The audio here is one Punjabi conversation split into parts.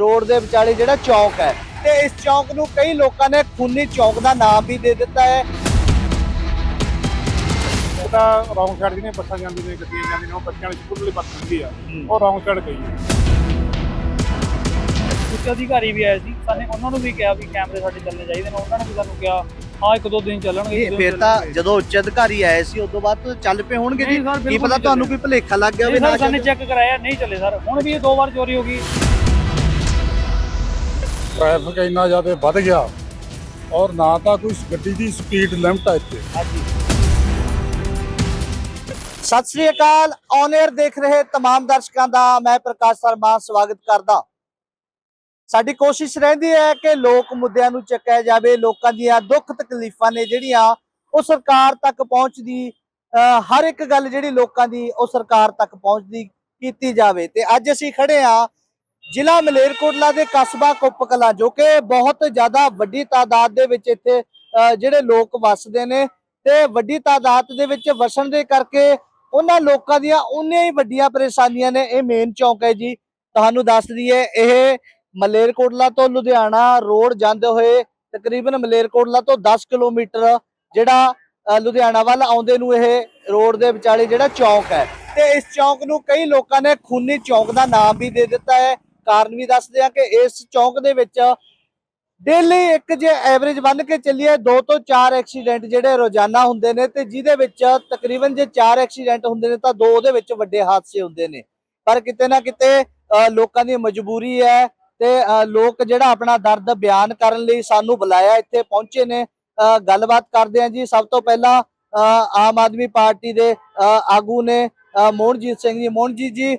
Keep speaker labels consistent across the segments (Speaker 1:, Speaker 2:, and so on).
Speaker 1: रोड के विचाले जिहड़ा चौक है ते इस चौक नूं कई लोगों ने खूनी चौक का नाम भी दे दिता है।
Speaker 2: रौंग साइड ਦੀਆਂ ਬੱਸਾਂ ਜਾਂਦੀਆਂ ਨੇ ਗੱਡੀਆਂ ਜਾਂਦੀਆਂ ਨੇ ਉਹ ਬੱਚਿਆਂ ਵਾਲੀ ਸਕੂਲ ਵਾਲੀ ਬੱਸ ਹੁੰਦੀ ਆ ਉਹ ਰੌਂਗ ਸਾਈਡ ਗਈ ਹੈ।
Speaker 3: ਉੱਚ ਅਧਿਕਾਰੀ ਵੀ ਆਏ ਸੀ ਸਾਨੇ ਉਹਨਾਂ ਨੂੰ ਵੀ ਕਿਹਾ ਵੀ ਕੈਮਰੇ ਸਾਡੇ ਚੱਲਣੇ ਚਾਹੀਦੇ ਨੇ ਉਹਨਾਂ ਨੇ ਵੀ ਸਾਨੂੰ ਕਿਹਾ ਹਾਂ ਇੱਕ ਦੋ ਦਿਨ ਚੱਲਣਗੇ।
Speaker 1: ਫਿਰ ਤਾਂ ਜਦੋਂ ਉੱਚ ਅਧਿਕਾਰੀ ਆਏ ਸੀ ਉਦੋਂ ਬਾਅਦ ਤਾਂ ਚੱਲ ਪਏ ਹੋਣਗੇ ਜੀ। ਕੀ ਪਤਾ ਤੁਹਾਨੂੰ ਕੋਈ ਭੁਲੇਖਾ ਲੱਗ ਗਿਆ ਹੋਵੇ ਨਾ।
Speaker 3: ਸਾਨੇ ਚੈੱਕ ਕਰਾਇਆ ਨਹੀਂ ਚੱਲੇ ਸਰ ਹੁਣ ਵੀ ਇਹ 2 ਵਾਰ ਚੋਰੀ ਹੋ ਗਈ।
Speaker 2: ਟ੍ਰੈਫਿਕ ਇੰਨਾ ਜ਼ਿਆਦਾ ਵੱਧ ਗਿਆ ਔਰ ਨਾ ਤਾਂ ਕੋਈ ਗੱਡੀ ਦੀ ਸਪੀਡ ਲਿਮਟ ਹੈ ਇੱਥੇ।
Speaker 1: सत श्री अकाल ऑन एयर देख रहे तमाम दर्शकों का मैं प्रकाश शर्मा स्वागत करदा। साडी कोशिश रहिंदी है कि लोक मुद्दों नूं चुक्या जाए, लोकां दीयां दुख तकलीफां ने जिहड़ियां वो सरकार तक पहुंचदी हर एक गल जिहड़ी लोकां दी वो सरकार तक पहुंचदी कीती जावे। ते अज असीं खड़े हां जिला मलेरकोटला दे कस्बा कुप कलां जो कि बहुत ज़्यादा वड्डी तादाद दे विच इत्थे जिहड़े लोक वसदे ने ते वड्डी तादाद दे विच वसन दे करके ਉਹਨਾਂ ਲੋਕਾਂ ਦੀਆਂ ਉਨੀਆਂ ਹੀ ਵੱਡੀਆਂ ਪਰੇਸ਼ਾਨੀਆਂ ਨੇ। ਇਹ ਮੇਨ ਚੌਕ ਹੈ ਜੀ, ਤੁਹਾਨੂੰ ਦੱਸ ਦਈਏ ਇਹ ਮਲੇਰਕੋਟਲਾ ਤੋਂ ਲੁਧਿਆਣਾ ਰੋਡ ਜਾਂਦੇ ਹੋਏ ਤਕਰੀਬਨ ਮਲੇਰਕੋਟਲਾ ਤੋਂ 10 ਕਿਲੋਮੀਟਰ ਜਿਹੜਾ ਲੁਧਿਆਣਾ ਵੱਲ ਆਉਂਦੇ ਨੂੰ ਇਹ ਰੋਡ ਦੇ ਵਿਚਾਲੇ ਜਿਹੜਾ ਚੌਕ ਹੈ ਤੇ ਇਸ ਚੌਕ ਨੂੰ ਕਈ ਲੋਕਾਂ ਨੇ ਖੂਨੀ ਚੌਕ ਦਾ ਨਾਮ ਵੀ ਦੇ ਦਿੱਤਾ ਹੈ। ਕਾਰਨ ਵੀ ਦੱਸਦੇ ਆ ਕਿ ਇਸ ਚੌਕ ਦੇ ਵਿੱਚ डेली एक जे एवरेज बन के चलिए 2 ਤੋਂ 4 एक्सीडेंट ਜਿਹੜੇ ਰੋਜ਼ਾਨਾ ਹੁੰਦੇ ਨੇ ਤੇ ਜਿਹਦੇ ਵਿੱਚ ਤਕਰੀਬਨ ਜੇ 4 एक्सीडेंट ਹੁੰਦੇ ਨੇ ਤਾਂ 2 ਉਹਦੇ ਵਿੱਚ ਵੱਡੇ ਹਾਦਸੇ ਹੁੰਦੇ ਨੇ। ਪਰ ਕਿਤੇ ਨਾ ਕਿਤੇ ਲੋਕਾਂ ਦੀ ਮਜਬੂਰੀ ਹੈ ਤੇ ਲੋਕ ਜਿਹੜਾ ਆਪਣਾ ਦਰਦ ਬਿਆਨ ਕਰਨ ਲਈ ਸਾਨੂੰ ਬੁਲਾਇਆ ਇੱਥੇ ਪਹੁੰਚੇ ਨੇ। ਗੱਲਬਾਤ ਕਰਦੇ ਆਂ ਜੀ। ਸਭ ਤੋਂ ਪਹਿਲਾਂ ਆਮ ਆਦਮੀ ਪਾਰਟੀ ਦੇ ਆਗੂ ਨੇ ਮੋਹਨਜੀਤ ਸਿੰਘ ਜੀ। ਮੋਹਨਜੀਤ ਜੀ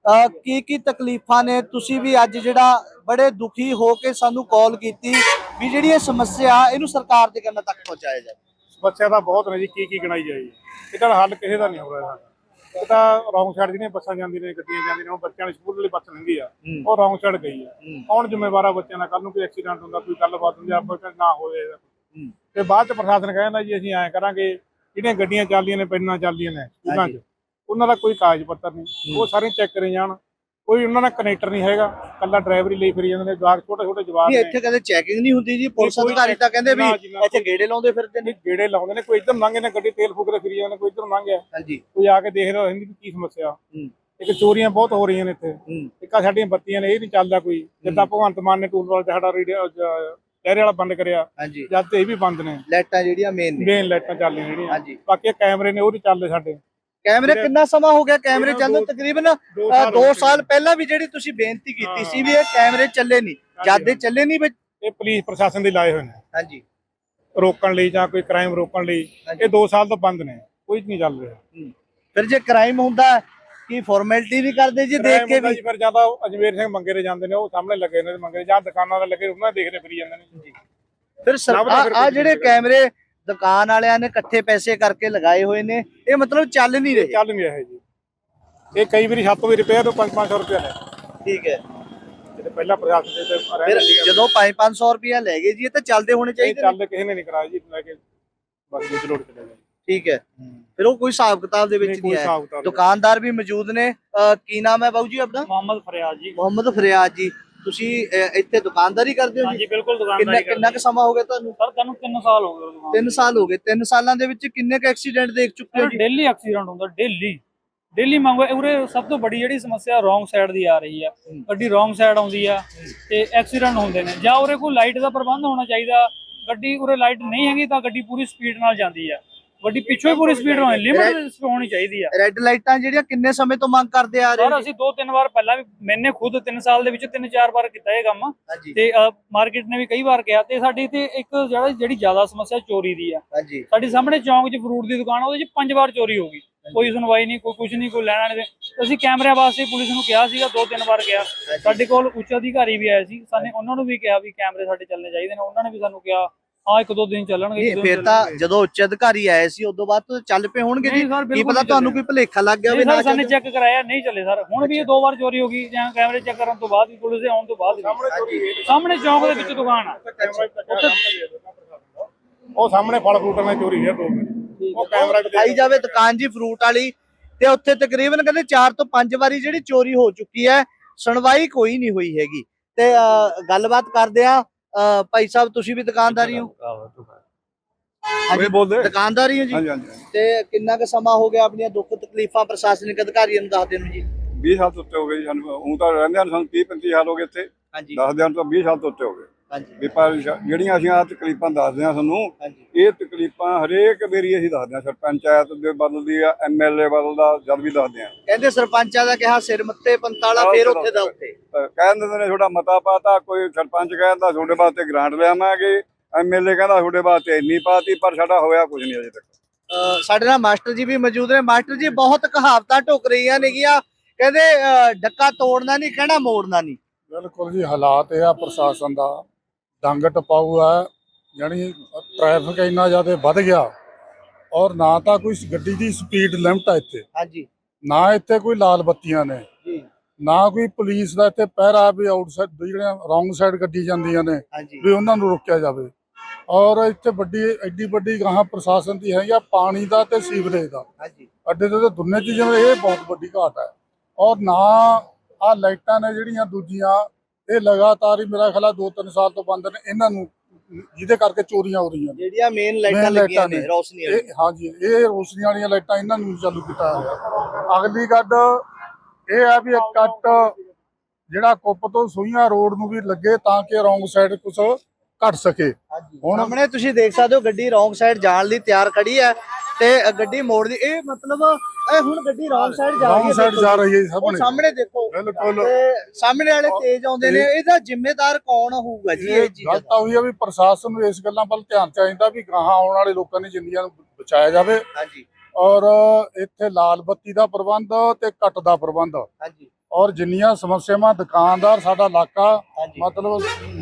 Speaker 1: ਕੀ ਤਕਲੀਫਾਂ ਨੇ? ਤੁਸੀਂ ਵੀ ਅੱਜ ਜਿਹੜਾ बड़े दुखी होके सानू कॉल की भी जी ये समस्या इनू सरकार के कहने तक पहुंचाया जाए।
Speaker 2: समस्या तो बहुत ने जी की गिनाई जाए ਇਹਦਾ ਹੱਲ ਕਿਸੇ ਦਾ ਨਹੀਂ ਹੋ ਰਿਹਾ। ਇਹ ਤਾਂ ਰੌਂਗ ਸਾਈਡ ਦੀਆਂ ਬੱਸਾਂ ਜਾਂਦੀਆਂ ਨੇ ਗੱਡੀਆਂ ਜਾਂਦੀਆਂ ਨੇ ਉਹ ਬੱਚਿਆਂ ਵਾਲੀ ਸਕੂਲ ਵਾਲੀ ਬੱਸ ਲੰਘੀ ਆ ਉਹ ਰੌਂਗ ਸਾਈਡ ਗਈ ਆ। ਕੌਣ ਜ਼ਿੰਮੇਵਾਰ ਆ ਬੱਚਿਆਂ ਦਾ? ਕੱਲ ਨੂੰ ਕੋਈ ਐਕਸੀਡੈਂਟ ਹੁੰਦਾ ਕੋਈ ਗੱਲਬਾਤ ਹੁੰਦੀ ਆਪਸ ਨਾ ਹੋਵੇ ਤੇ ਬਾਅਦ ਚ ਪ੍ਰਸ਼ਾਸਨ ਕਹਿੰਦਾ ਜੀ ਅਸੀਂ ਐਂ ਕਰਾਂਗੇ ਜਿਹੜੀਆਂ ਗੱਡੀਆਂ ਚੱਲਦੀਆਂ ਨੇ ਪੈਨਾਂ ਚੱਲਦੀਆਂ ਨੇ ਸਕੂਲਾਂ 'ਚ ਉਹਨਾਂ ਦਾ ਕੋਈ ਕਾਗਜ਼ ਪੱਤਰ ਨਹੀਂ ਉਹ ਸਾਰੇ ਚੈੱਕ ਕਰੇ ਜਾਣ। ਕੋਈ ਉਹਨਾਂ ਦਾ ਕਨੈਕਟਰ ਨਹੀਂ ਹੈਗਾ, ਕੱਲਾ ਡਰਾਈਵਰ ਹੀ ਲਈ ਫਿਰੀ ਜਾਂਦੇ ਨੇ। ਜਵਾਕ ਛੋਟੇ ਛੋਟੇ ਜਵਾਕ ਨੇ।
Speaker 1: ਇੱਥੇ ਕਦੇ ਚੈਕਿੰਗ ਨਹੀਂ ਹੁੰਦੀ ਜੀ? ਪੁਲਿਸ ਅਧਿਕਾਰੀ ਤਾਂ ਕਹਿੰਦੇ ਵੀ ਇੱਥੇ ਗੇੜੇ ਲਾਉਂਦੇ ਫਿਰਦੇ ਨੇ।
Speaker 2: ਗੇੜੇ ਲਾਉਂਦੇ ਨੇ, ਕੋਈ ਇੱਧਰ ਲੰਘੇ ਨੇ ਗੱਡੀ ਤੇਲ ਫੂਕਦੇ ਫਿਰੀ ਜਾਂਦੇ ਨੇ, ਕੋਈ ਇੱਧਰ ਲੰਘਿਆ
Speaker 1: ਹਾਂਜੀ
Speaker 2: ਕੋਈ ਆ ਕੇ ਦੇਖਦਾ ਰਹਿੰਦੀ ਵੀ ਕੀ ਸਮੱਸਿਆ। ਇੱਕ ਚੋਰੀਆਂ ਬਹੁਤ ਹੋ ਰਹੀਆਂ ਨੇ ਇੱਥੇ। ਇੱਕ ਸਾਡੀਆਂ ਬੱਤੀਆਂ ਨੇ ਇਹ ਨਹੀਂ ਚੱਲਦਾ ਕੋਈ। ਜਿੱਦਾਂ ਭਗਵੰਤ ਮਾਨ ਨੇ ਟੂਲ ਵਾਲਾ ਸਾਡਾ ਰੇਡੀਓ ਚਿਹਰੇ ਵਾਲਾ ਬੰਦ ਕਰਿਆ ਜਦ ਤੇ ਇਹ ਵੀ ਬੰਦ ਨੇ।
Speaker 1: ਲਾਈਟਾਂ ਜਿਹੜੀਆਂ ਮੇਨ
Speaker 2: ਲਾਈਟਾਂ ਚੱਲਦੀਆਂ ਜਿਹੜੀਆਂ ਬਾਕੀ ਕੈਮਰੇ ਨੇ ਉਹ ਨਹੀਂ ਚੱਲਦੇ ਸਾਡੇ।
Speaker 1: कैमरे कितना समा हो गया कैमरे चलने? तकरीबन 2 साल पहला भी ਜਿਹੜੀ ਤੁਸੀਂ ਬੇਨਤੀ ਕੀਤੀ ਸੀ ਵੀ ਇਹ ਕੈਮਰੇ ਚੱਲੇ ਨਹੀਂ, ਜਦ ਚੱਲੇ ਨਹੀਂ।
Speaker 2: ਇਹ ਪੁਲਿਸ ਪ੍ਰਸ਼ਾਸਨ ਦੇ ਲਾਏ ਹੋਏ ਨੇ
Speaker 1: ਹਾਂਜੀ
Speaker 2: ਰੋਕਣ ਲਈ ਜਾਂ ਕੋਈ ਕ੍ਰਾਈਮ ਰੋਕਣ ਲਈ। ਇਹ 2 ਸਾਲ ਤੋਂ ਬੰਦ ਨੇ, ਕੋਈ ਨਹੀਂ ਚੱਲ ਰਿਹਾ।
Speaker 1: ਫਿਰ ਜੇ ਕ੍ਰਾਈਮ ਹੁੰਦਾ ਕੀ ਫਾਰਮੈਲਿਟੀ ਵੀ ਕਰਦੇ ਜੀ ਦੇਖ ਕੇ ਵੀ?
Speaker 2: ਫਿਰ ਜਿਆਦਾ ਅਜਮੇਰ ਸਿੰਘ ਮੰਗੇ ਦੇ ਜਾਂਦੇ ਨੇ ਉਹ ਸਾਹਮਣੇ ਲੱਗੇ ਨੇ ਮੰਗੇ ਜਾਂ ਦੁਕਾਨਾਂ ਦੇ ਲੱਗੇ ਉਹਨਾਂ ਦੇਖਦੇ ਫਿਰੀ ਜਾਂਦੇ ਨੇ।
Speaker 1: ਫਿਰ ਆ ਜਿਹੜੇ ਕੈਮਰੇ ਦੁਕਾਨ ਵਾਲਿਆਂ ਨੇ ਇਕੱਠੇ ਪੈਸੇ ਕਰਕੇ ਲਗਾਏ ਹੋਏ ਨੇ ਇਹ ਮਤਲਬ ਚੱਲ ਨਹੀਂ ਰਹੇ?
Speaker 2: ਚੱਲ ਨਹੀਂ ਰਹੇ ਜੀ। ਇਹ ਕਈ ਵਾਰੀ ਛੱਤ ਵੀ ਰਿਪੇਅਰ ਤੋਂ 500 ਰੁਪਏ ਲੈ।
Speaker 1: ਠੀਕ ਹੈ।
Speaker 2: ਜਿਹੜੇ ਪਹਿਲਾਂ ਪ੍ਰਸ਼ਾਸਨ ਦੇ
Speaker 1: ਫਿਰ ਜਦੋਂ 500 ਰੁਪਏ ਲੈ ਗਏ ਜੀ ਇਹ ਤਾਂ ਚੱਲਦੇ ਹੋਣੇ ਚਾਹੀਦੇ।
Speaker 2: ਚੱਲਦੇ ਕਿਸੇ ਨੇ ਨਹੀਂ ਕਰਾਇਆ ਜੀ, ਲੈ ਕੇ ਬਸ ਦੂਜੀ ਲੋੜ ਚਲੇ ਗਏ। ਠੀਕ
Speaker 1: ਹੈ। ਫਿਰ ਉਹ ਕੋਈ ਹਿਸਾਬ ਕਿਤਾਬ ਦੇ ਵਿੱਚ ਨਹੀਂ ਹੈ। ਦੁਕਾਨਦਾਰ ਵੀ ਮੌਜੂਦ ਨੇ। ਕੀ ਨਾਮ ਹੈ ਬਾਬੂ ਜੀ ਆਪਣਾ?
Speaker 3: ਮੁਹੰਮਦ ਫਰਿਆਦ ਜੀ।
Speaker 1: ਮੁਹੰਮਦ ਫਰਿਆਦ ਜੀ, ਤੁਸੀਂ ਇੱਥੇ ਦੁਕਾਨਦਾਰੀ ਕਰਦੇ ਹੋ ਜੀ?
Speaker 3: ਹਾਂਜੀ ਬਿਲਕੁਲ ਦੁਕਾਨਦਾਰੀ।
Speaker 1: ਕਿੰਨਾ ਕੁ ਸਮਾਂ ਹੋ ਗਿਆ ਤੁਹਾਨੂੰ?
Speaker 3: ਸਰ ਤੁਹਾਨੂੰ 3 ਸਾਲ ਹੋ ਗਏ।
Speaker 1: 3 ਸਾਲ ਹੋ ਗਏ। 3 ਸਾਲਾਂ ਦੇ ਵਿੱਚ ਕਿੰਨੇ ਕੁ ਐਕਸੀਡੈਂਟ ਦੇਖ ਚੁੱਕੇ ਹੋ ਜੀ?
Speaker 3: ਡੇਲੀ ਐਕਸੀਡੈਂਟ ਹੁੰਦਾ, ਡੇਲੀ ਮੰਗੋ। ਉਰੇ ਸਭ ਤੋਂ ਵੱਡੀ ਜਿਹੜੀ ਸਮੱਸਿਆ ਰੌਂਗ ਸਾਈਡ ਦੀ ਆ ਰਹੀ ਆ। ਗੱਡੀ ਰੌਂਗ ਸਾਈਡ ਆਉਂਦੀ ਆ ਤੇ ਐਕਸੀਡੈਂਟ ਹੁੰਦੇ ਨੇ। ਜਾਂ ਉਰੇ ਕੋਈ ਲਾਈਟ ਦਾ ਪ੍ਰਬੰਧ ਹੋਣਾ ਚਾਹੀਦਾ। ਗੱਡੀ ਉਰੇ ਲਾਈਟ ਨਹੀਂ ਹੈਗੀ ਤਾਂ ਗੱਡੀ ਪੂਰੀ ਸਪੀਡ ਨਾਲ ਜਾਂਦੀ ਆ। ਗੱਡੀ ਪਿੱਛੋਂ ਹੀ ਪੂਰੀ ਸਪੀਡ ਹੋਣੀ, ਲਿਮਿਟ ਹੋਣੀ ਚਾਹੀਦੀ ਆ।
Speaker 1: ਰੈੱਡ ਲਾਈਟਾਂ ਜਿਹੜੀਆਂ ਕਿੰਨੇ ਸਮੇਂ ਤੋਂ ਮੰਗ ਕਰਦੇ ਆ ਰਹੇ?
Speaker 3: ਸਰ ਅਸੀਂ 2-3 ਵਾਰ ਪਹਿਲਾਂ ਵੀ, ਮੈਨੇ ਖੁਦ 3 ਸਾਲ ਦੇ ਵਿੱਚ 3-4 ਵਾਰ ਕੀਤਾ ਇਹ ਕੰਮ ਤੇ ਮਾਰਕੀਟ ਨੇ ਵੀ ਕਈ ਵਾਰ ਕਿਹਾ। ਤੇ ਸਾਡੀ ਤੇ ਇੱਕ ਜਿਹੜੀ ਜ਼ਿਆਦਾ ਸਮੱਸਿਆ ਚੋਰੀ ਦੀ ਆ। ਸਾਡੀ ਸਾਹਮਣੇ ਚੌਂਕ 'ਚ ਫਰੂਟ ਦੀ ਦੁਕਾਨ ਉਹਦੇ 'ਚ 5 ਵਾਰ ਚੋਰੀ ਹੋ ਗਈ। ਕੋਈ ਸੁਣਵਾਈ ਨਹੀਂ, ਕੋਈ ਕੁਝ ਨਹੀਂ, ਕੋਈ ਲੈਣਾ ਨਹੀਂ। ਅਸੀਂ ਕੈਮਰਿਆਂ ਵਾਸਤੇ ਪੁਲਿਸ ਨੂੰ ਕਿਹਾ ਸੀਗਾ, 2-3 ਵਾਰ ਕਿਹਾ। ਸਾਡੇ ਕੋਲ ਉੱਚ ਅਧਿਕਾਰੀ ਵੀ ਆਏ ਸੀ, ਸਾਨੇ ਉਹਨਾਂ ਨੂੰ ਵੀ ਕਿਹਾ ਵੀ ਕੈਮਰੇ ਸਾਡੇ ਚੱਲਣੇ ਚਾਹੀਦੇ ਨੇ। ਉਹਨਾਂ ਨੇ ਵੀ ਸਾਨੂੰ ਕਿਹਾ ਹਾਂ 1-2 ਦਿਨ ਚੱਲਣਗੇ।
Speaker 1: ਫਿਰ ਤਾਂ ਜਦੋਂ ਉੱਚ ਅਧਿਕਾਰੀ ਆਏ ਸੀ ਉਦੋਂ ਬਾਅਦ ਤਾਂ ਚੱਲ ਪਏ ਹੋਣਗੇ ਜੀ। ਕੀ ਪਤਾ ਤੁਹਾਨੂੰ ਕੋਈ ਭੁਲੇਖਾ ਲੱਗ ਗਿਆ ਹੋਵੇ ਨਾ।
Speaker 3: ਸਾਨੇ ਚੈੱਕ ਕਰਾਇਆ ਨਹੀਂ ਚੱਲੇ ਸਰ ਹੁਣ ਵੀ ਇਹ 2 ਵਾਰ ਚੋਰੀ ਹੋ ਗਈ। ਜਾਂ ਕੈਮਰੇ ਚੈੱਕ ਕਰਨ ਤੋਂ ਬਾਅਦ ਵੀ ਪੁਲਿਸ ਦੇ ਆਉਣ ਤੋਂ ਬਾਅਦ ਸਾਹਮਣੇ ਚੌਂਕ ਦੇ ਵਿੱਚ ਦੁਕਾਨ ਆ।
Speaker 2: ਉਹ ਸਾਹਮਣੇ ਫਲ ਫਰੂਟਾਂ ਦੀ ਚੋਰੀ ਹੈ 2 ਮਿੰਟ। ਉਹ ਕੈਮਰਾ
Speaker 1: ਦਿਖਾਈ ਜਾਵੇ ਦੁਕਾਨ ਜੀ ਫਰੂਟ ਵਾਲੀ ਤੇ ਉੱਥੇ ਤਕਰੀਬਨ ਕਹਿੰਦੇ 4 ਤੋਂ 5 ਵਾਰੀ ਜਿਹੜੀ ਚੋਰੀ ਹੋ ਚੁੱਕੀ ਹੈ। ਸੁਣਵਾਈ ਕੋਈ ਨਹੀਂ ਹੋਈ ਹੈਗੀ। ਤੇ ਗੱਲਬਾਤ ਕਰਦੇ ਆ। ਭਾਈ ਸਾਹਿਬ ਤੁਸੀਂ ਵੀ ਦੁਕਾਨਦਾਰੀ ਹੋ?
Speaker 4: ਇਹ ਬੋਲਦੇ
Speaker 1: ਦੁਕਾਨਦਾਰੀ ਹੋ ਜੀ?
Speaker 4: ਹਾਂਜੀ ਹਾਂਜੀ ਹਾਂਜੀ।
Speaker 1: ਤੇ ਕਿੰਨਾ ਕੁ ਸਮਾਂ ਹੋ ਗਿਆ ਆਪਣੀਆਂ ਦੁੱਖ ਤਕਲੀਫਾਂ ਪ੍ਰਸ਼ਾਸਨਿਕ ਅਧਿਕਾਰੀਆਂ ਨੂੰ ਦੱਸਦੇ ਨੂੰ ਜੀ?
Speaker 4: 20 ਸਾਲ ਤੋਂ ਉੱਤੇ ਹੋ ਗਏ ਜੀ ਸਾਨੂੰ। ਹੁਣ ਤਾਂ ਰਹਿੰਦੇ ਸਾਨੂੰ 30-35 ਸਾਲ ਹੋ ਗਏ ਇੱਥੇ।
Speaker 1: ਹਾਂਜੀ
Speaker 4: ਦੱਸਦੇ ਹਨ ਤਾਂ 20 ਸਾਲ ਤੋਂ ਉੱਤੇ ਹੋ ਗਏ
Speaker 1: ਹਾਂਜੀ
Speaker 4: ਵੀ ਪਰ ਜਿਹੜੀਆਂ ਅਸੀਂ ਆਹ ਤਕਲੀਫਾਂ ਦੱਸਦੇ ਹਾਂ ਤੁਹਾਨੂੰ,
Speaker 1: ਹਾਂਜੀ
Speaker 4: ਇਹ ਤਕਲੀਫਾਂ ਹਰੇਕ ਵਾਰੀ ਅਸੀਂ ਦੱਸਦੇ ਹਾਂ। ਪੰਚਾਇਤ ਦੇ ਬਦਲਦੀ ਆ, ਐਮਐਲਏ ਬਦਲਦਾ, ਜਦ ਵੀ ਦੱਸਦੇ ਹਾਂ।
Speaker 1: ਕਹਿੰਦੇ ਸਰਪੰਚਾਂ ਦਾ ਕਿਹਾ ਸਿਰ ਮੱਥੇ ਪੰਤਾਲਾ, ਫੇਰ ਉੱਥੇ ਦਾ ਉੱਥੇ
Speaker 4: ਕਹਿ ਦਿੰਦੇ ਨੇ ਤੁਹਾਡਾ ਮਤਾ ਪਾਤਾ, ਕੋਈ ਸਰਪੰਚ ਕਹਿੰਦਾ ਤੁਹਾਡੇ ਵਾਸਤੇ ਗ੍ਰਾਂਟ ਲਿਆਵਾਂਗੇ, ਐਮਐਲਏ ਕਹਿੰਦਾ ਤੁਹਾਡੇ ਵਾਸਤੇ ਇੰਨੀ ਪਾਤੀ, ਪਰ ਸਾਡਾ ਹੋਇਆ ਕੁਝ ਨਹੀਂ ਅਜੇ ਤੱਕ।
Speaker 1: ਸਾਡੇ ਨਾਲ ਮਾਸਟਰ ਜੀ ਵੀ ਮੌਜੂਦ ਨੇ। ਮਾਸਟਰ ਜੀ, ਬਹੁਤ ਕਹਾਵਤਾਂ ਢੁੱਕ ਰਹੀਆਂ ਨੇਗੀਆਂ, ਕਹਿੰਦੇ ਡੱਕਾ ਤੋੜਨਾ ਨਹੀਂ, ਕਹਿਣਾ ਮੋੜਨਾ ਨਹੀਂ।
Speaker 5: ਬਿਲਕੁਲ ਜੀ, ਹਾਲਾਤ ਇਹ ਆ ਪ੍ਰਸ਼ਾਸਨ ਦਾ ਡੰਗ ਟਪਾਊ ਹੈ। ਜਾਣੀ ਟ੍ਰੈਫਿਕ ਇੰਨਾ ਜ਼ਿਆਦਾ ਵੱਧ ਗਿਆ, ਔਰ ਨਾ ਤਾਂ ਕੋਈ ਗੱਡੀ ਦੀ ਸਪੀਡ ਲਿਮਟ ਆ ਇੱਥੇ,
Speaker 1: ਹਾਂਜੀ
Speaker 5: ਨਾ ਇੱਥੇ ਕੋਈ ਲਾਲ ਬੱਤੀਆਂ ਨੇ,
Speaker 1: ਜੀ
Speaker 5: ਨਾ ਕੋਈ ਪੁਲਿਸ ਦਾ ਇੱਥੇ ਪਹਿਰਾ ਵੀ ਆਊਟਸਾਈਡ ਜਿਹੜੀਆਂ ਰੌਂਗ ਸਾਈਡ ਗੱਡੀ ਜਾਂਦੀਆਂ ਨੇ
Speaker 1: ਹਾਂਜੀ
Speaker 5: ਵੀ ਉਹਨਾਂ ਨੂੰ ਰੋਕਿਆ ਜਾਵੇ। ਔਰ ਇੱਥੇ ਐਡੀ ਵੱਡੀ ਗਾਹਾਂ ਪ੍ਰਸ਼ਾਸਨ ਦੀ ਹੈਗੀ ਆ ਪਾਣੀ ਦਾ ਤੇ ਸੀਵਰੇਜ ਦਾ
Speaker 1: ਹਾਂਜੀ
Speaker 5: ਅੱਡੇ ਤੇ ਦੋਨੇ ਚੀਜ਼ਾਂ ਦਾ ਇਹ ਬਹੁਤ ਵੱਡੀ ਘਾਟ ਹੈ। ਔਰ ਨਾ ਆਹ ਲਾਈਟਾਂ ਨੇ ਜਿਹੜੀਆਂ ਦੂਜੀਆਂ, ਇਹ ਲਗਾਤਾਰ ਹੀ ਮੇਰਾ ਖਿਆਲ 2-3 ਸਾਲ ਤੋਂ ਬੰਦ ਨੇ, ਇਹਨਾਂ ਨੂੰ ਜਿਹਦੇ ਕਰਕੇ ਚੋਰੀਆਂ ਹੋ ਰਹੀਆਂ ਨੇ।
Speaker 1: ਜਿਹੜੀਆਂ ਮੇਨ ਲਾਈਟਾਂ ਲੱਗੀਆਂ ਨੇ ਰੋਸ਼ਨੀ ਵਾਲੀ,
Speaker 5: ਇਹ ਹਾਂਜੀ, ਇਹ ਰੋਸ਼ਨੀ ਵਾਲੀਆਂ ਲਾਈਟਾਂ ਇਹਨਾਂ ਨੂੰ ਚਾਲੂ ਕੀਤਾ ਗਿਆ। ਅਗਲੀ ਗੱਲ ਇਹ ਆ ਵੀ ਇੱਕ ਕੱਟ ਜਿਹੜਾ ਕੁੱਪ ਤੋਂ ਸੂਈਆਂ ਰੋਡ ਨੂੰ ਵੀ ਲੱਗੇ ਤਾਂ ਕਿ ਰੌਂਗ ਸਾਈਡ ਕੁਝ ਘਟ ਸਕੇ।
Speaker 1: ਹੁਣ ਸਾਹਮਣੇ ਤੁਸੀਂ ਦੇਖ ਸਕਦੇ ਹੋ ਗੱਡੀ ਰੌਂਗ ਸਾਈਡ ਜਾਣ ਲਈ ਤਿਆਰ ਖੜੀ ਹੈ ਤੇ ਗੱਡੀ ਮੋੜਦੀ, ਇਹ ਮਤਲਬ ਇਹ ਹੁਣ ਗੱਡੀ ਰੌਂਗ ਸਾਈਡ ਜਾ ਰਹੀ ਹੈ,
Speaker 5: ਰੌਂਗ ਸਾਈਡ ਜਾ ਰਹੀ ਹੈ
Speaker 1: ਉਹ
Speaker 5: ਸਾਹਮਣੇ।
Speaker 1: ਸਾਹਮਣੇ ਦੇਖੋ,
Speaker 5: ਬਿਲਕੁਲ।
Speaker 1: ਤੇ ਸਾਹਮਣੇ ਵਾਲੇ ਤੇਜ਼ ਆਉਂਦੇ ਨੇ, ਇਹਦਾ ਜ਼ਿੰਮੇਦਾਰ ਕੌਣ ਹੋਊਗਾ ਜੀ? ਇਹ ਚੀਜ਼
Speaker 5: ਗੱਲ ਤਾਂ ਹੋਈ ਆ ਵੀ ਪ੍ਰਸ਼ਾਸਨ ਨੂੰ ਇਸ ਗੱਲਾਂ ਵੱਲ ਧਿਆਨ ਚਾਹੀਦਾ ਵੀ ਗਾਹਾਂ ਆਉਣ ਵਾਲੇ ਲੋਕਾਂ ਦੀ ਜ਼ਿੰਦਗੀਆਂ ਨੂੰ ਬਚਾਇਆ ਜਾਵੇ।
Speaker 1: ਹਾਂਜੀ
Speaker 5: ਔਰ ਇੱਥੇ ਲਾਲ ਬੱਤੀ ਦਾ ਪ੍ਰਬੰਧ ਤੇ ਕੱਟ ਦਾ ਪ੍ਰਬੰਧ,
Speaker 1: ਹਾਂਜੀ
Speaker 5: ਔਰ ਜਿੰਨੀਆਂ ਸਮੱਸਿਆਵਾਂ ਦੁਕਾਨਦਾਰ ਸਾਡਾ ਇਲਾਕਾ ਮਤਲਬ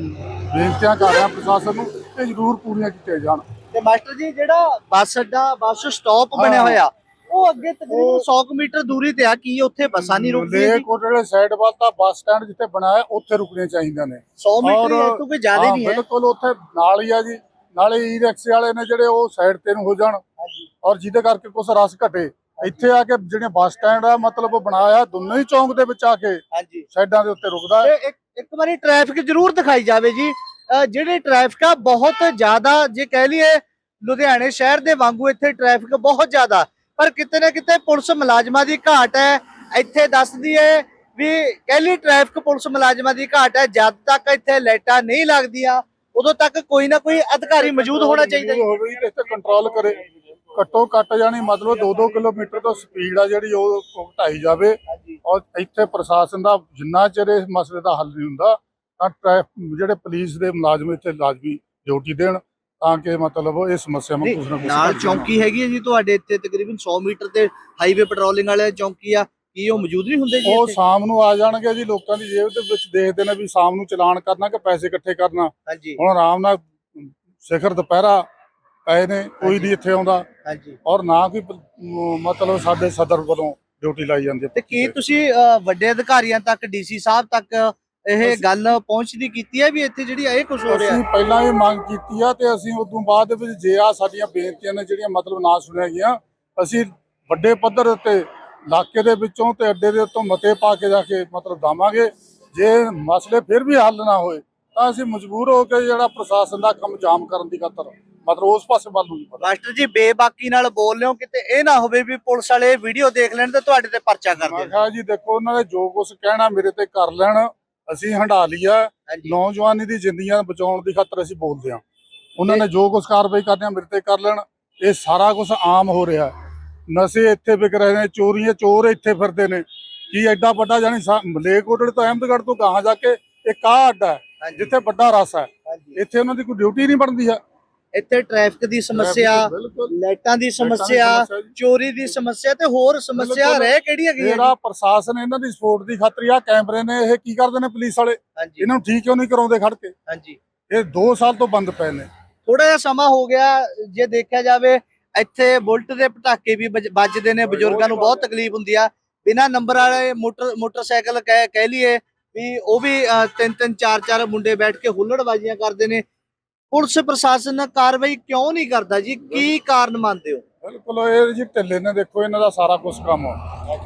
Speaker 5: ਬੇਨਤੀਆਂ ਕਰ ਰਿਹਾ ਪ੍ਰਸ਼ਾਸਨ ਨੂੰ ਇਹ ਜ਼ਰੂਰ ਪੂਰੀਆਂ ਕੀਤੀਆਂ ਜਾਣ।
Speaker 1: ਤੇ ਮਾਸਟਰ ਜੀ, ਜਿਹੜਾ ਬੱਸ ਅੱਡਾ, ਬੱਸ ਸਟਾਪ ਬਣਿਆ ਹੋਇਆ, ਉਹ ਅੱਗੇ ਤਕਰੀਬਨ 100 ਮੀਟਰ ਦੂਰੀ ਤੇ ਆ, ਕੀ ਉੱਥੇ ਬੱਸਾਂ ਨਹੀਂ ਰੁਕਦੀਆਂ?
Speaker 5: ਲੇਕੋਟ ਜਿਹੜੇ ਸਾਈਡ ਵੱਲ ਤਾਂ ਬੱਸ ਸਟੈਂਡ ਜਿੱਥੇ ਬਣਾਇਆ ਉੱਥੇ ਰੁਕਣੀਆਂ ਚਾਹੀਦੀਆਂ ਨੇ।
Speaker 1: 100 ਮੀਟਰ ਹੀ ਤੋਂ ਕੋਈ ਜ਼ਿਆਦਾ ਨਹੀਂ ਹੈ।
Speaker 5: ਬਿਲਕੁਲ, ਉੱਥੇ ਨਾਲ ਹੀ ਆ ਜੀ। ਨਾਲੇ ਈ ਰਿਕਸ਼ੇ ਵਾਲੇ ਨੇ ਜਿਹੜੇ ਉਹ ਸਾਈਡ ਤੇ ਨੂੰ ਹੋ ਜਾਣ, ਔਰ ਜਿਹਦੇ ਕਰਕੇ ਕੁਝ ਰਸ ਘਟੇ। ਇੱਥੇ ਆ ਕੇ ਜਿਹੜੇ ਬੱਸ ਸਟੈਂਡ ਆ ਮਤਲਬ ਬਣਾਇਆ ਦੋਨੋਂ ਹੀ ਚੌਂਕ ਦੇ ਵਿੱਚ ਆ ਕੇ
Speaker 1: ਹਾਂਜੀ
Speaker 5: ਸਾਈਡਾਂ ਦੇ ਉੱਤੇ ਰੁਕਦਾ।
Speaker 1: ਤੇ ਇੱਕ ਵਾਰੀ ਟ੍ਰੈਫਿਕ ਜ਼ਰੂਰ ਦਿਖਾਈ ਜਾਵੇ ਜੀ। ਜਿਹੜੇ ਟ੍ਰੈਫਿਕ ਆ ਬਹੁਤ ਜ਼ਿਆਦਾ, ਜੇ ਕਹਿ ਲਈਏ ਲੁਧਿਆਣੇ ਸ਼ਹਿਰ ਦੇ ਵਾਂਗੂ ਇੱਥੇ ਟ੍ਰੈਫਿਕ ਬਹੁਤ ਜ਼ਿਆਦਾ, ਪਰ ਕਿਤੇ ਨਾ ਕਿਤੇ ਪੁਲਿਸ ਮੁਲਾਜ਼ਮਾਂ ਦੀ ਘਾਟ ਹੈ। ਇੱਥੇ ਦੱਸਦੀ ਹੈ ਵੀ ਕਹਿ ਲਈ ਟ੍ਰੈਫਿਕ ਪੁਲਿਸ ਮੁਲਾਜ਼ਮਾਂ ਦੀ ਘਾਟ ਹੈ। ਜਦ ਤੱਕ ਇੱਥੇ ਲਾਈਟਾਂ ਨਹੀਂ ਲੱਗਦੀਆਂ ਉਦੋਂ ਤੱਕ ਕੋਈ ਨਾ ਕੋਈ ਅਧਿਕਾਰੀ ਮੌਜੂਦ ਹੋਣਾ ਚਾਹੀਦਾ ਜੀ।
Speaker 5: ਹੋਵੇ ਤੇ ਇੱਥੇ ਕੰਟਰੋਲ ਕਰੇ। ਘੱਟੋ ਘੱਟ ਜਾਣੀ ਮਤਲਬ 2-2 ਕਿਲੋਮੀਟਰ ਤੋਂ ਸਪੀਡ ਆ ਜਿਹੜੀ ਉਹ ਘਟਾਈ ਜਾਵੇ। ਔਰ ਇੱਥੇ ਪ੍ਰਸ਼ਾਸਨ ਦਾ ਜਿੰਨਾ ਚਿਰ ਇਸ ਮਸਲੇ ਦਾ ਹੱਲ ਨਹੀਂ ਹੁੰਦਾ ਤਾਂ ਜਿਹੜੇ ਪੁਲਿਸ ਦੇ ਮੁਲਾਜ਼ਮ ਇੱਥੇ ਲਾਜ਼ਮੀ ਡਿਊਟੀ ਦੇਣ ਤਾਂ ਕਿ ਮਤਲਬ ਇਹ ਸਮੱਸਿਆ ਨੂੰ ਕੁਝ ਨਾ ਕੁਝ
Speaker 1: ਨਾਲ ਚੌਂਕੀ ਹੈਗੀ ਹੈ ਜੀ ਤੁਹਾਡੇ ਇੱਥੇ ਤਕਰੀਬਨ 100 ਮੀਟਰ ਤੇ ਹਾਈਵੇ ਪੈਟਰੋਲਿੰਗ ਵਾਲੇ ਚੌਂਕੀ ਆ, ਕੀ ਉਹ ਮੌਜੂਦ ਨਹੀਂ ਹੁੰਦੇ ਜੀ?
Speaker 5: ਉਹ ਸ਼ਾਮ ਨੂੰ ਆ ਜਾਣਗੇ ਜੀ। ਲੋਕਾਂ ਦੀ ਜੇਬ ਦੇ ਵਿੱਚ ਦੇਖਦੇ ਨੇ ਵੀ ਸ਼ਾਮ ਨੂੰ ਚਲਾਨ ਕਰਨਾ ਕਿ ਪੈਸੇ ਇਕੱਠੇ ਕਰਨਾ।
Speaker 1: ਹਾਂਜੀ
Speaker 5: ਹੁਣ ਆਰਾਮ ਨਾਲ ਸਿਖਰ ਦੁਪਹਿਰਾ ਪਏ ਨੇ, ਕੋਈ ਨਹੀਂ ਇੱਥੇ ਆਉਂਦਾ,
Speaker 1: ਹਾਂਜੀ।
Speaker 5: ਔਰ ਨਾ ਕੋਈ ਮਤਲਬ ਸਾਡੇ ਸਦਰ ਵੱਲੋਂ ਡਿਊਟੀ ਲਾਈ ਜਾਂਦੀ ਹੈ।
Speaker 1: ਤੇ ਕੀ ਤੁਸੀਂ ਵੱਡੇ ਅਧਿਕਾਰੀਆਂ ਤੱਕ, ਡੀਸੀ ਸਾਹਿਬ ਤੱਕ ਇਹ ਗੱਲ ਪਹੁੰਚਦੀ ਕੀਤੀ ਹੈ ਵੀ ਇੱਥੇ ਜਿਹੜੀ ਇਹ ਕੁਝ ਹੋ ਰਿਹਾ?
Speaker 5: ਅਸੀਂ ਪਹਿਲਾਂ ਹੀ ਮੰਗ ਕੀਤੀ ਆ ਤੇ ਅਸੀਂ ਉਦੋਂ ਬਾਅਦ ਦੇ ਵਿੱਚ ਜੇ ਆ ਸਾਡੀਆਂ ਬੇਨਤੀਆਂ ਨੇ ਜਿਹੜੀਆਂ ਮਤਲਬ ਨਾ ਸੁਣਿਆ ਗਈਆਂ, ਅਸੀਂ ਵੱਡੇ ਪੱਧਰ ਉੱਤੇ ਇਲਾਕੇ ਦੇ ਵਿੱਚੋਂ ਤੇ ਅੱਡੇ ਦੇ ਉੱਤੋਂ ਮਤੇ ਪਾ ਕੇ ਜਾ ਕੇ ਮਤਲਬ ਦਵਾਂਗੇ। ਜੇ ਮਸਲੇ ਫਿਰ ਵੀ ਹੱਲ ਨਾ ਹੋਏ ਤਾਂ ਅਸੀਂ ਮਜਬੂਰ ਹੋ ਕੇ ਜਿਹੜਾ ਪ੍ਰਸ਼ਾਸਨ ਦਾ ਕੰਮ ਜਾਮ ਕਰਨ ਦੀ ਖਾਤਰ ਮਤਲਬ ਉਸ ਪਾਸੇ ਵੱਲ ਨੂੰ ਨਹੀਂ ਪਤਾ।
Speaker 1: ਮਾਸਟਰ ਜੀ, ਬੇਬਾਕੀ ਨਾਲ ਬੋਲ ਲਿਓ, ਕਿਤੇ ਇਹ ਨਾ ਹੋਵੇ ਵੀ ਪੁਲਿਸ ਵਾਲੇ ਵੀਡੀਓ ਦੇਖ ਲੈਣ ਤੇ ਤੁਹਾਡੇ ਤੇ ਪਰਚਾ ਕਰ
Speaker 5: ਮੈਂ
Speaker 1: ਦੇਣ।
Speaker 5: ਕਿਹਾ ਜੀ ਦੇਖੋ, ਉਹਨਾਂ ਨੇ ਜੋ ਕੁਝ ਕਹਿਣਾ ਮੇਰੇ ਤੇ ਕਰ ਲੈਣ, ਅਸੀਂ ਹੰਢਾ ਲਿਆ। ਨੌਜਵਾਨੀ ਦੀ ਜ਼ਿੰਦਗੀਆਂ ਬਚਾਉਣ ਦੀ ਖਾਤਰ ਅਸੀਂ ਬੋਲਦੇ ਹਾਂ। ਉਹਨਾਂ ਨੇ ਜੋ ਕੁਝ ਕਾਰਵਾਈ ਕਰਨੀ ਆ ਮੇਰੇ ਤੇ ਕਰ ਲੈਣ। ਇਹ ਸਾਰਾ ਕੁਝ ਆਮ ਹੋ ਰਿਹਾ। ਨਸ਼ੇ ਇੱਥੇ ਵਿਕ ਰਹੇ ਨੇ, ਚੋਰੀਆਂ, ਚੋਰ ਇੱਥੇ ਫਿਰਦੇ ਨੇ। ਕੀ ਐਡਾ ਵੱਡਾ ਜਾਨੀ ਮਲੇਰਕੋਟਲੇ ਤੋਂ ਅਹਿਮਦਗੜ੍ਹ ਤੋਂ ਗਾਹਾਂ ਜਾ ਕੇ ਇੱਕ ਆਹ ਅੱਡਾ ਹੈ ਜਿੱਥੇ ਵੱਡਾ ਰਸ ਹੈ, ਇੱਥੇ ਉਹਨਾਂ ਦੀ ਕੋਈ ਡਿਊਟੀ ਨਹੀਂ ਬਣਦੀ ਹੈ।
Speaker 1: ਇੱਥੇ ਟ੍ਰੈਫਿਕ ਦੀ ਸਮੱਸਿਆ, ਲਾਈਟਾਂ ਦੀ ਸਮੱਸਿਆ, ਚੋਰੀ ਦੀ ਸਮੱਸਿਆ ਤੇ ਹੋਰ ਸਮੱਸਿਆ ਰਹਿ ਕਿਹੜੀ ਹੈਗੀ?
Speaker 5: ਜਿਹੜਾ ਪ੍ਰਸ਼ਾਸਨ ਇਹਨਾਂ ਦੀ ਸਪੋਰਟ ਦੀ ਖਾਤਰ ਆ ਕੈਮਰੇ ਨੇ, ਇਹ ਕੀ ਕਰਦੇ ਨੇ ਪੁਲਿਸ ਵਾਲੇ, ਇਹਨਾਂ ਨੂੰ ਠੀਕ ਕਿਉਂ ਨਹੀਂ ਕਰਾਉਂਦੇ ਖੜ ਕੇ?
Speaker 1: ਹਾਂਜੀ,
Speaker 5: ਇਹ 2 ਸਾਲ ਤੋਂ ਬੰਦ ਪਏ ਨੇ।
Speaker 1: ਥੋੜਾ ਜਿਹਾ ਸਮਾਂ ਹੋ ਗਿਆ। ਜੇ ਦੇਖਿਆ ਜਾਵੇ ਇੱਥੇ ਬੁਲਟ ਦੇ ਪਟਾਕੇ ਵੀ ਵੱਜਦੇ ਨੇ, ਬਜ਼ੁਰਗਾਂ ਨੂੰ ਬਹੁਤ ਤਕਲੀਫ ਹੁੰਦੀ ਆ। ਬਿਨਾਂ ਨੰਬਰ ਵਾਲੇ ਮੋਟਰਸਾਈਕਲ ਕਹਿ ਲਈਏ ਵੀ ਉਹ ਵੀ 3-3 4-4 ਮੁੰਡੇ ਬੈਠ ਕੇ ਹੁੱਲੜਬਾਜ਼ੀਆਂ ਕਰਦੇ ਨੇ। ਪੁਲਿਸ ਪ੍ਰਸ਼ਾਸਨ ਕਾਰਵਾਈ ਕਿਉਂ ਨਹੀਂ ਕਰਦਾ ਜੀ? ਕੀ ਕਾਰਨ ਮੰਨਦੇ ਹੋ?
Speaker 5: ਬਿਲਕੁਲ, ਇਹ ਜੀ ਢਿੱਲੇ ਨੇ। ਦੇਖੋ ਇਹਨਾਂ ਦਾ ਸਾਰਾ ਕੁਝ ਕੰਮ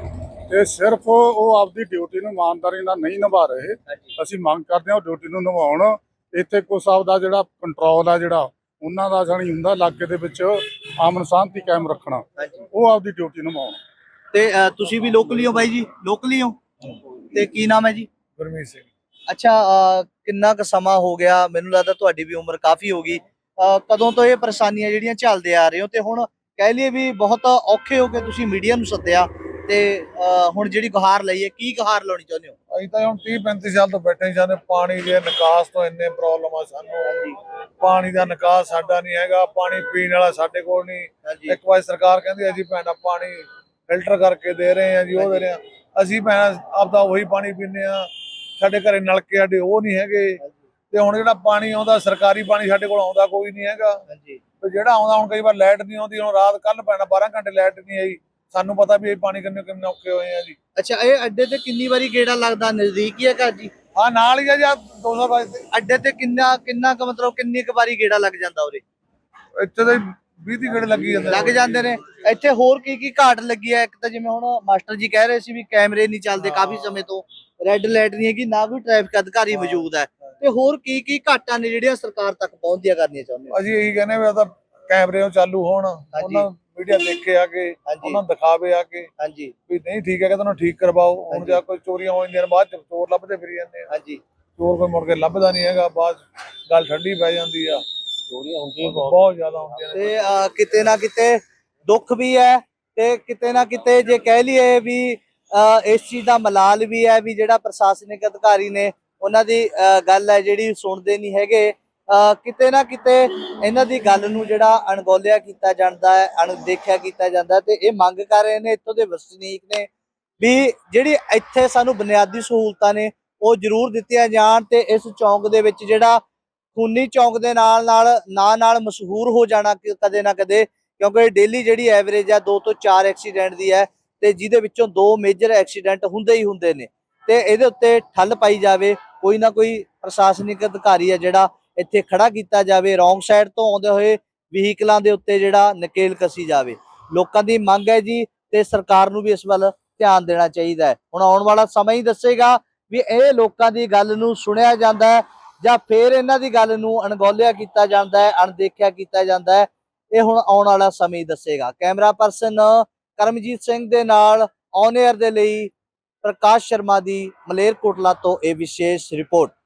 Speaker 5: ਤੇ ਸਿਰਫ ਉਹ ਆਪਦੀ ਡਿਊਟੀ ਨੂੰ ਇਮਾਨਦਾਰੀ ਨਾਲ ਨਹੀਂ ਨਿਭਾ ਰਹੇ। ਅਸੀਂ ਮੰਗ ਕਰਦੇ ਹਾਂ ਉਹ ਡਿਊਟੀ ਨੂੰ ਨਿਭਾਉਣ। ਇੱਥੇ ਕੁਛ ਆਪਦਾ ਜਿਹੜਾ ਕੰਟਰੋਲ ਆ ਜਿਹੜਾ ਉਹਨਾਂ ਦਾ ਜਾਣੀ ਹੁੰਦਾ ਇਲਾਕੇ ਦੇ ਵਿੱਚ ਅਮਨ ਸ਼ਾਂਤੀ ਕਾਇਮ ਰੱਖਣਾ, ਉਹ ਆਪਦੀ ਡਿਊਟੀ ਨਿਭਾਉਣ।
Speaker 1: ਤੇ ਤੁਸੀਂ ਵੀ ਲੋਕਲੀ ਹੋ ਬਾਈ ਜੀ? ਲੋਕਲੀ ਹੋ ਤੇ ਕੀ ਨਾਮ ਹੈ ਜੀ?
Speaker 5: ਗੁਰਮੀਤ ਸਿੰਘ।
Speaker 1: ਅੱਛਾ, ਕਿੰਨਾ ਕੁ ਸਮਾਂ ਹੋ ਗਿਆ? ਮੈਨੂੰ ਲੱਗਦਾ ਤੁਹਾਡੀ ਵੀ ਉਮਰ ਕਾਫੀ ਹੋ ਗਈ। ਕਦੋਂ ਤੋਂ ਇਹ ਪਰੇਸ਼ਾਨੀਆਂ ਜਿਹੜੀਆਂ ਝੱਲਦੇ ਆ ਰਹੇ ਹੋ, ਤੇ ਹੁਣ ਕਹਿ ਲਈਏ ਵੀ ਬਹੁਤ ਔਖੇ ਹੋ ਕੇ ਤੁਸੀਂ ਮੀਡੀਆ ਨੂੰ ਸੱਦਿਆ, ਤੇ ਹੁਣ ਜਿਹੜੀ ਗੁਹਾਰ ਲਈ ਹੈ, ਕੀ ਗੁਹਾਰ ਲਾਉਣੀ ਚਾਹੁੰਦੇ ਹੋ?
Speaker 6: ਅਸੀਂ ਤਾਂ ਹੁਣ 30-35 ਸਾਲ ਤੋਂ ਬੈਠੇ ਹੀ ਜਾਂਦੇ। ਪਾਣੀ ਦੇ ਨਿਕਾਸ ਤੋਂ ਇੰਨੇ ਪ੍ਰੋਬਲਮ ਆ ਸਾਨੂੰ। ਪਾਣੀ ਦਾ ਨਿਕਾਸ ਸਾਡਾ ਨਹੀਂ ਹੈਗਾ, ਪਾਣੀ ਪੀਣ ਵਾਲਾ ਸਾਡੇ ਕੋਲ ਨਹੀਂ। ਇੱਕ ਵਾਰ ਸਰਕਾਰ ਕਹਿੰਦੀ ਅਸੀਂ ਭੈਣਾ ਪਾਣੀ ਫਿਲਟਰ ਕਰਕੇ ਦੇ ਰਹੇ ਹਾਂ ਜੀ, ਉਹ ਦੇ ਰਹੇ ਹਾਂ। ਅਸੀਂ ਭੈਣਾ ਆਪਦਾ ਉਹੀ ਪਾਣੀ ਪੀਂਦੇ ਹਾਂ। ਸਾਡੇ ਘਰੇ ਨਲਕੇ ਸਾਡੇ ਉਹ ਨਹੀਂ ਹੈਗੇ। ਤੇ ਹੁਣ ਜਿਹੜਾ ਪਾਣੀ ਆਉਂਦਾ ਸਰਕਾਰੀ ਪਾਣੀ ਸਾਡੇ ਕੋਲ ਆਉਂਦਾ ਕੋਈ ਨਹੀਂ ਹੈਗਾ। ਤੇ ਜਿਹੜਾ ਆਉਂਦਾ, ਹੁਣ ਕਈ ਵਾਰ ਲਾਈਟ ਨਹੀਂ ਆਉਂਦੀ। ਹੁਣ ਰਾਤ ਕੱਲ ਪੈਣਾ 12 ਘੰਟੇ ਲਾਈਟ ਨਹੀਂ ਆਈ। ਸਾਨੂੰ ਪਤਾ ਵੀ ਇਹ ਪਾਣੀ ਕਿੰਨੇ ਔਖੇ ਹੋਏ ਆ ਜੀ।
Speaker 1: ਅੱਛਾ, ਇਹ ਅੱਡੇ ਤੇ ਕਿੰਨੀ ਵਾਰੀ ਗੇੜਾ ਲੱਗਦਾ? ਨਜ਼ਦੀਕ ਹੀ ਹੈ ਘਰ ਜੀ?
Speaker 6: ਹਾਂ, ਨਾਲ ਹੀ ਆ ਜੀ, 200 ਗਜ ਤੇ।
Speaker 1: ਅੱਡੇ ਤੇ ਕਿੰਨਾ ਕੁ ਮਤਲਬ ਕਿੰਨੀ ਕੁ ਵਾਰੀ ਗੇੜਾ ਲੱਗ ਜਾਂਦਾ ਉਰੇ?
Speaker 6: ਇੱਥੇ ਤਾਂ 20 ਗੇੜੇ
Speaker 1: ਲੱਗ ਜਾਂਦੇ ਨੇ। ਇੱਥੇ ਹੋਰ ਕੀ ਘਾਟ ਲੱਗੀ ਹੈ? ਇੱਕ ਤਾਂ ਜਿਵੇਂ ਹੁਣ ਮਾਸਟਰ ਜੀ ਕਹਿ ਰਹੇ ਸੀ ਵੀ ਕੈਮਰੇ ਨਹੀਂ ਚੱਲਦੇ ਕਾਫੀ ਸਮੇਂ ਤੋਂ, ਰੈੱਡ ਲਾਈਟ ਨਹੀਂ ਹੈਗੀ, ਨਾ ਕੋਈ ਟ੍ਰੈਫਿਕ ਅਧਿਕਾਰੀ ਮੌਜੂਦ ਹੈ, ਤੇ ਹੋਰ ਕੀ ਘਾਟਾਂ ਨੇ ਜਿਹੜੀਆਂ ਸਰਕਾਰ ਤੱਕ ਪਹੁੰਚਦੀਆਂ ਕਰਨੀਆਂ ਚਾਹੁੰਦੇ ਹੋ?
Speaker 6: ਅਸੀਂ ਇਹੀ ਕਹਿੰਦੇ ਵੀ ਤਾਂ ਕੈਮਰੇ ਚਾਲੂ ਹੋਣ, ਉਹਨਾਂ ਮੀਡੀਆ ਦੇਖੇ ਆ ਕੇ, ਉਹਨਾਂ ਨੂੰ ਦਿਖਾਵੇ ਆ ਕੇ ਵੀ ਨਹੀਂ ਠੀਕ ਹੈ ਕਿ ਤੁਹਾਨੂੰ ਠੀਕ ਕਰਵਾਓ। ਹੁਣ ਜਾਂ ਕੋਈ ਚੋਰੀਆਂ ਹੋ ਜਾਂਦੀਆਂ ਬਾਅਦ ਚ ਚੋਰ ਲੱਭਦੇ ਫਿਰੀ ਜਾਂਦੇ ਆ। ਚੋਰ ਕੋਈ ਮੁੜ ਕੇ ਲੱਭਦਾ ਨਹੀਂ ਹੈਗਾ, ਬਾਅਦ ਗੱਲ ਠੰਡੀ ਪੈ ਜਾਂਦੀ ਆ। ਚੋਰੀਆਂ ਹੁੰਦੀਆਂ ਬਹੁਤ ਜ਼ਿਆਦਾ ਹੁੰਦੀਆਂ ਨੇ,
Speaker 1: ਤੇ ਕਿਤੇ ਨਾ ਕਿਤੇ ਦੁੱਖ ਵੀ ਹੈ, ਤੇ ਕਿਤੇ ਨਾ ਕਿਤੇ ਜੇ ਕਹਿ ਲਈਏ ਵੀ ਇਸ ਚੀਜ਼ ਦਾ ਮਲਾਲ ਵੀ ਹੈ ਵੀ ਜਿਹੜਾ ਪ੍ਰਸ਼ਾਸਨਿਕ ਅਧਿਕਾਰੀ ਨੇ ਉਹਨਾਂ ਦੀ ਗੱਲ ਹੈ ਜਿਹੜੀ ਸੁਣਦੇ ਨਹੀਂ ਹੈਗੇ। ਕਿਤੇ ਨਾ ਕਿਤੇ ਇਹਨਾਂ ਦੀ ਗੱਲ ਨੂੰ ਜਿਹੜਾ ਅਣਗੌਲਿਆ ਕੀਤਾ ਜਾਂਦਾ ਹੈ, ਅਣਦੇਖਿਆ ਕੀਤਾ ਜਾਂਦਾ, ਤੇ ਇਹ ਮੰਗ ਕਰ ਰਹੇ ਨੇ ਇੱਥੋਂ ਦੇ ਵਸਨੀਕ ਨੇ ਵੀ ਜਿਹੜੀ ਇੱਥੇ ਸਾਨੂੰ ਬੁਨਿਆਦੀ ਸਹੂਲਤਾਂ ਨੇ ਉਹ ਜ਼ਰੂਰ ਦਿੱਤੀਆਂ ਜਾਣ, ਤੇ ਇਸ ਚੌਂਕ ਦੇ ਵਿੱਚ ਜਿਹੜਾ ਖੂਨੀ ਚੌਂਕ ਦੇ ਨਾਲ ਮਸ਼ਹੂਰ ਹੋ ਜਾਣਾ ਕਦੇ ਨਾ ਕਦੇ, ਕਿਉਂਕਿ ਡੇਲੀ ਜਿਹੜੀ ਐਵਰੇਜ ਆ 2 ਤੋਂ 4 ਐਕਸੀਡੈਂਟ ਦੀ ਹੈ, ਤੇ ਜਿਹਦੇ ਵਿੱਚੋਂ 2 ਮੇਜਰ ਐਕਸੀਡੈਂਟ ਹੁੰਦੇ ਹੀ ਹੁੰਦੇ ਨੇ। ਤੇ ਇਹਦੇ ਉੱਤੇ ਠੱਲ ਪਾਈ ਜਾਵੇ, ਕੋਈ ਨਾ ਕੋਈ ਪ੍ਰਸ਼ਾਸਨਿਕ ਅਧਿਕਾਰੀ ਹੈ ਜਿਹੜਾ ਇੱਥੇ ਖੜਾ ਕੀਤਾ ਜਾਵੇ, ਰੌਂਗ ਸਾਈਡ ਤੋਂ ਆਉਂਦੇ ਹੋਏ ਵਹੀਕਲਾਂ ਦੇ ਉੱਤੇ ਜਿਹੜਾ ਨਕੇਲ ਕਸੀ ਜਾਵੇ। ਲੋਕਾਂ ਦੀ ਮੰਗ ਹੈ ਜੀ, ਤੇ ਸਰਕਾਰ ਨੂੰ ਵੀ ਇਸ ਵੱਲ ਧਿਆਨ ਦੇਣਾ ਚਾਹੀਦਾ ਹੈ। ਹੁਣ ਆਉਣ ਵਾਲਾ ਸਮਾਂ ਹੀ ਦੱਸੇਗਾ ਵੀ ਇਹ ਲੋਕਾਂ ਦੀ ਗੱਲ ਨੂੰ ਸੁਣਿਆ ਜਾਂਦਾ ਹੈ ਜਾਂ ਫਿਰ ਇਹਨਾਂ ਦੀ ਗੱਲ ਨੂੰ ਅਣਗੌਲਿਆ ਕੀਤਾ ਜਾਂਦਾ ਹੈ, ਅਣਦੇਖਿਆ ਕੀਤਾ ਜਾਂਦਾ ਹੈ। ਇਹ ਹੁਣ ਆਉਣ ਵਾਲਾ ਸਮਾਂ ਹੀ ਦੱਸੇਗਾ। ਕੈਮਰਾ ਪਰਸਨ ਕਰਮਜੀਤ ਸਿੰਘ ਦੇ ਨਾਲ ਔਨ 에ਅਰ ਦੇ ਲਈ ਪ੍ਰਕਾਸ਼ ਸ਼ਰਮਾ ਦੀ ਮਲੇਰਕੋਟਲਾ ਤੋਂ ਇਹ ਵਿਸ਼ੇਸ਼ ਰਿਪੋਰਟ।